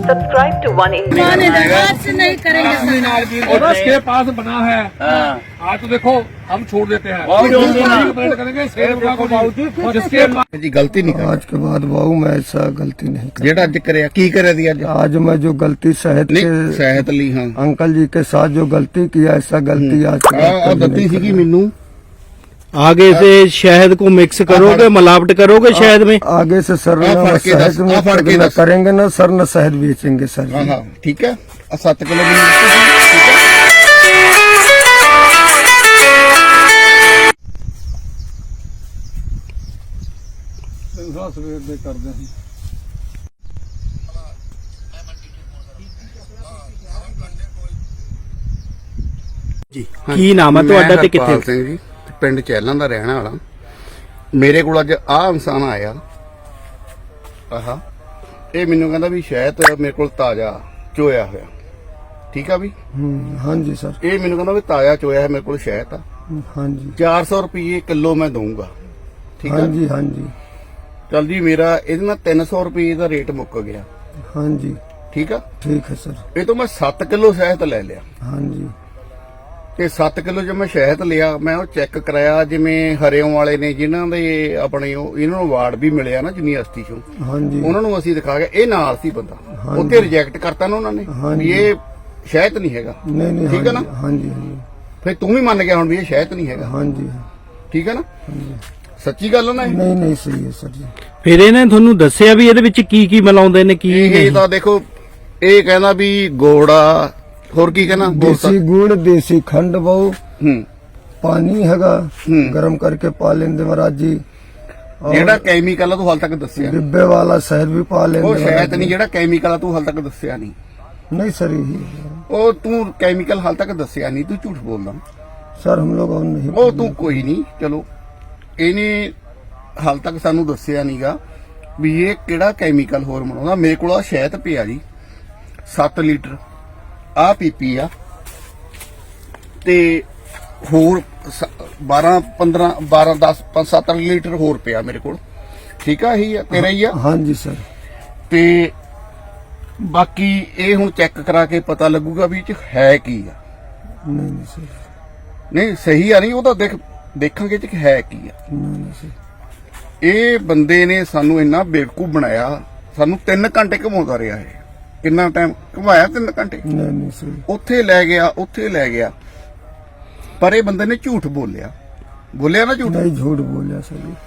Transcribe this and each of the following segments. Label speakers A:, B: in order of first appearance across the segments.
A: Subscribe to One India.
B: नहीं करेंगे
C: और उसके पास बना है। आज तो देखो हम छोड़ देते हैं करेंगे जिसके
D: जी गलती नहीं कर
E: आज के बाद बाबू मैं ऐसा गलती नहीं कर
D: जेड़ा अज करे की करे दी अज
E: आज मैं जो गलती शहद
D: नहीं
E: के
D: सेहत ली हाँ
E: अंकल जी के साथ जो गलती किया ऐसा गलती आज के बाद
D: आ
E: कभी
D: गलती
E: नहीं
D: सी मेनू
F: आगे से शहद को मिक्स करोगे, मिलावट करोगे शहद में।
E: करेंगे। आगे से सर
D: आ,
E: न
D: फड़ के दस,
E: शहद
D: आ, फड़ के
E: में न
D: दस।
E: करेंगे ना सर न शहद बेचेंगे सर
D: हाँ
E: जी।
D: हाँ ठीक है 7 किलो भी
C: सवेर दे करदे हैं।
F: ਕੀ ਨਾਮ ਹੈ ਤੁਹਾਡਾ ਤੇ
D: ਹਰਪਾਲ
F: ਕਿੱਥੇ?
D: ਸਿੰਘ ਜੀ ਪਿੰਡ ਚੈਲਾਂ ਦਾ ਰਹਿਣ ਵਾਲਾ ਮੇਰੇ ਕੋਲ ਅੱਜ ਆਹ ਇਨਸਾਨ ਆਇਆ ਆਹਾ ਇਹ ਮੈਨੂੰ ਕਹਿੰਦਾ ਵੀ ਸ਼ਾਇਦ ਮੇਰੇ ਕੋਲ ਤਾਜ਼ਾ ਚੋਇਆ ਹੋਇਆ ਠੀਕ ਆ ਵੀ
E: हाँ जी सर
D: ਇਹ ਮੈਨੂੰ ਕਹਿੰਦਾ ਵੀ ਤਾਜ਼ਾ ਚੋਇਆ ਹੈ ਮੇਰੇ ਕੋਲ ਸ਼ਾਇਦ ਆ
E: हाँ जी
D: 400 ਰੁਪਏ ਕਿਲੋ ਮੈਂ ਦਊਂਗਾ ਠੀਕ
E: हाँ
D: ਆ
E: जी हाँ जी
D: ਚੱਲ ਜੀ ਮੇਰਾ ਇਹਦੇ ਨਾਲ 300 ਰੁਪਏ ਦਾ ਰੇਟ ਮੁੱਕ ਗਿਆ
E: हाँ जी
D: ਠੀਕ ਆ
E: ठीक है सर
D: ਇਹ ਤੋਂ ਮੈਂ 7 ਕਿਲੋ ਸ਼ਹਿਦ ਲੈ ਲਿਆ
E: हाँ जी
D: ਤੇ 7 ਕਿਲੋ ਜੋ ਮੈਂ ਸ਼ਹਿਦ ਲਿਆ ਮੈਂ ਉਹ ਚੈੱਕ ਕਰਾਇਆ ਜਿਵੇਂ ਹਰਿਓਂ ਵਾਲੇ ਨੇ ਜਿਨ੍ਹਾਂ ਦੇ ਆਪਣੇ ਇਹਨਾਂ ਨੂੰ ਅਵਾਰਡ ਵੀ ਮਿਲਿਆ ਨਾ ਯੂਨੀਵਰਸਿਟੀ ਚੋਂ
E: हाँ जी
D: ਉਹਨਾਂ ਨੂੰ ਅਸੀਂ ਦਿਖਾ ਗਿਆ ਇਹ ਨਾਲ ਸੀ ਬੰਦਾ ਉੱਥੇ ਰਿਜੈਕਟ ਕਰਤਾ ਨਾ ਉਹਨਾਂ ਨੇ ਵੀ ਇਹ ਸ਼ਹਿਦ ਨਹੀਂ ਹੈਗਾ
E: नहीं नहीं
D: ठीक है ना?
E: हाँ जी हाँ जी
D: ਫਿਰ ਤੂੰ ਵੀ ਮੰਨ ਗਿਆ ਹੁਣ ਵੀ ਇਹ ਸ਼ਹਿਦ ਨਹੀਂ ਹੈਗਾ
E: हाँ जी
D: ਠੀਕ ਹੈ ਨਾ ਸੱਚੀ ਗੱਲ ਆ ਨਾ ਇਹ?
E: नहीं नहीं सही है सर जी
F: ਫਿਰ ਇਹਨੇ ਤੁਹਾਨੂੰ ਦੱਸਿਆ ਵੀ ਇਹਦੇ ਵਿੱਚ ਕੀ ਕੀ ਮਿਲਾਉਂਦੇ ਨੇ ਕੀ
D: ਇਹ
F: ਨਹੀਂ।
D: ਤਾਂ ਦੇਖੋ ਇਹ ਕਹਿੰਦਾ ਵੀ ਗੋੜਾ ਹੋਰ ਕੀ ਕਹਿੰਦਾ
E: देसी गुड़ देसी खंड बहु
D: ਹੂੰ
E: पानी हैगा गर्म करके पा लेंगे महाराज जी
D: ਜਿਹੜਾ ਕੈਮੀਕਲ ਆ ਤੂੰ ਹਾਲ ਤੱਕ ਦੱਸਿਆ ਨੀ।
E: डिब्बे वाला शहद भी पा लेंगे
D: ਉਹ
E: महाराज
D: ਸ਼ਹਿਦ
E: जी।
D: ਨਹੀਂ ਜਿਹੜਾ ਕੈਮੀਕਲ ਆ ਤੂੰ ਹਾਲ ਤੱਕ ਦੱਸਿਆ ਨਹੀਂ
E: नहीं सर यही है।
D: ਉਹ ਤੂੰ ਕੈਮੀਕਲ ਹਾਲ ਤੱਕ ਦੱਸਿਆ ਨਹੀਂ ਤੂੰ ਝੂਠ ਬੋਲਦਾ
E: सर हम लोग और नहीं
D: ਉਹ ਤੂੰ ਕੋਈ ਨਹੀਂ ਚਲੋ ਇਹਨੇ ਹਾਲ ਤੱਕ ਸਾਨੂੰ ਦੱਸਿਆ ਨਹੀਂਗਾ ਵੀ ਇਹ ਕਿਹੜਾ ਕੈਮੀਕਲ ਹੋਰ ਬਣਾਉਂਦਾ ਮੇਰੇ ਕੋਲ ਆ ਸ਼ਹਿਦ ਪਿਆ ਜੀ 7 ਲੀਟਰ ਆ ਪੀਪੀ ਆ ਤੇ ਹੋਰ 12 15 12 10 5 7 ਲੀਟਰ ਹੋਰ ਪਿਆ ਮੇਰੇ ਕੋਲ ਠੀਕ ਆ ਇਹੀ ਆ ਤੇਰਾ ਹੀ ਆ
E: हाँ जी सर
D: ਤੇ ਬਾਕੀ ਇਹ ਹੁਣ ਚੈੱਕ ਕਰਾ ਕੇ ਪਤਾ ਲੱਗੂਗਾ ਵੀ ਇਹ ਚ ਹੈ ਕੀ ਆ
E: नहीं नहीं सर
D: ਨਹੀਂ ਸਹੀ ਆ ਨਹੀਂ ਉਹ ਤਾਂ ਦੇਖਾਂਗੇ ਚ ਹੈ ਕੀ ਆ
E: नहीं नहीं सर
D: ਇਹ ਬੰਦੇ ਨੇ ਸਾਨੂੰ ਇੰਨਾ ਬੇਵਕੂਫ ਬਣਾਇਆ ਸਾਨੂੰ 3 ਘੰਟੇ ਘੁਮਾਉਂਦਾ ਰਿਹਾ ਇਹ ਕਿੰਨਾ ਟਾਈਮ ਘੁਮਾਇਆ 3 ਘੰਟੇ
E: नहीं नहीं सर
D: ਉੱਥੇ ਲੈ ਗਿਆ ਪਰ ਇਹ ਬੰਦੇ ਨੇ ਝੂਠ ਬੋਲਿਆ ਨਾ ਝੂਠ
E: नहीं झूठ बोलिया सर जी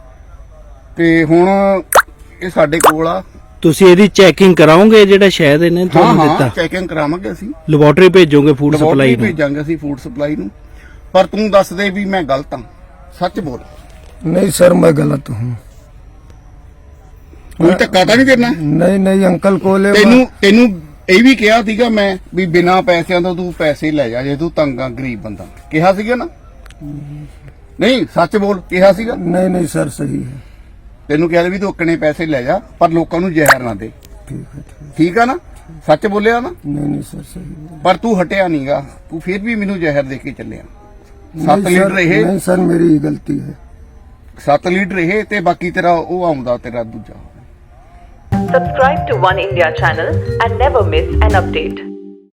D: ਤੇ ਹੁਣ ਇਹ ਸਾਡੇ ਕੋਲ ਆ
F: ਤੁਸੀਂ ਇਹਦੀ ਚੈਕਿੰਗ ਕਰਾਓਗੇ ਜਿਹੜਾ ਸ਼ਹਿਦ ਇਹਨੇ
D: ਹਾਂ
F: ਤੁਹਾਨੂੰ
D: ਹਾਂ
F: ਦਿੱਤਾ
D: ਚੈਕਿੰਗ ਕਰਾਵਾਂਗੇ ਅਸੀਂ
F: ਲੈਬੋਰੇਟਰੀ ਭੇਜੋਗੇ ਫੂਡ
D: ਲੈਬੋਰਟਰੀ
F: ਸਪਲਾਈ ਨੂੰ।
D: ਭੇਜਾਂਗੇ ਅਸੀਂ ਫੂਡ ਸਪਲਾਈ ਨੂੰ ਪਰ ਤੂੰ ਦੱਸ ਦੇ ਵੀ ਮੈਂ ਗਲਤ ਹਾਂ ਸੱਚ ਬੋਲ
E: नहीं सर मैं गलत हूँ
D: ਕੋਈ ਧੱਕਾ ਤਾਂ ਨਹੀਂ ਦੇਣਾ
E: नहीं नहीं अंकल को ले
D: ਤੈਨੂੰ ਇਹ ਵੀ ਕਿਹਾ ਸੀਗਾ ਮੈਂ ਵੀ ਬਿਨਾ ਪੈਸਿਆਂ ਤੋਂ ਤੂੰ ਪੈਸੇ ਲੈ ਜਾ ਜੇ ਤੂੰ ਤੰਗ ਆ ਗਰੀਬ ਬੰਦਾ ਕਿਹਾ ਸੀਗਾ ਨਾ ਨਹੀਂ ਸੱਚ ਬੋਲ ਕਿਹਾ ਸੀਗਾ
E: नहीं नहीं सर सही है
D: ਤੈਨੂੰ ਕਿਹਾ ਵੀ ਤੂੰ ਓਕਣੇ ਪੈਸੇ ਲੈ ਜਾ ਪਰ ਲੋਕਾਂ ਨੂੰ ਜ਼ਹਿਰ ਨਾ ਦੇ
E: ठीक है ठीक
D: ਠੀਕ ਆ ਨਾ ਸੱਚ ਬੋਲਿਆ ਨਾ
E: नहीं नहीं सर सही है
D: ਪਰ ਤੂੰ ਹਟਿਆ ਨਹੀਂਗਾ ਤੂੰ ਫਿਰ ਵੀ ਮੈਨੂੰ ਜ਼ਹਿਰ ਦੇ ਕੇ ਚੱਲਿਆ 7
E: नहीं,
D: ਲੀਟਰ
E: सर,
D: ਇਹ
E: नहीं सर मेरी ही गलती है
D: 7 ਲੀਟਰ ਇਹ ਤੇ ਬਾਕੀ ਤੇਰਾ ਉਹ ਆਉਂਦਾ ਤੇਰਾ ਦੂਜਾ
A: Subscribe to One India channel and never miss an update.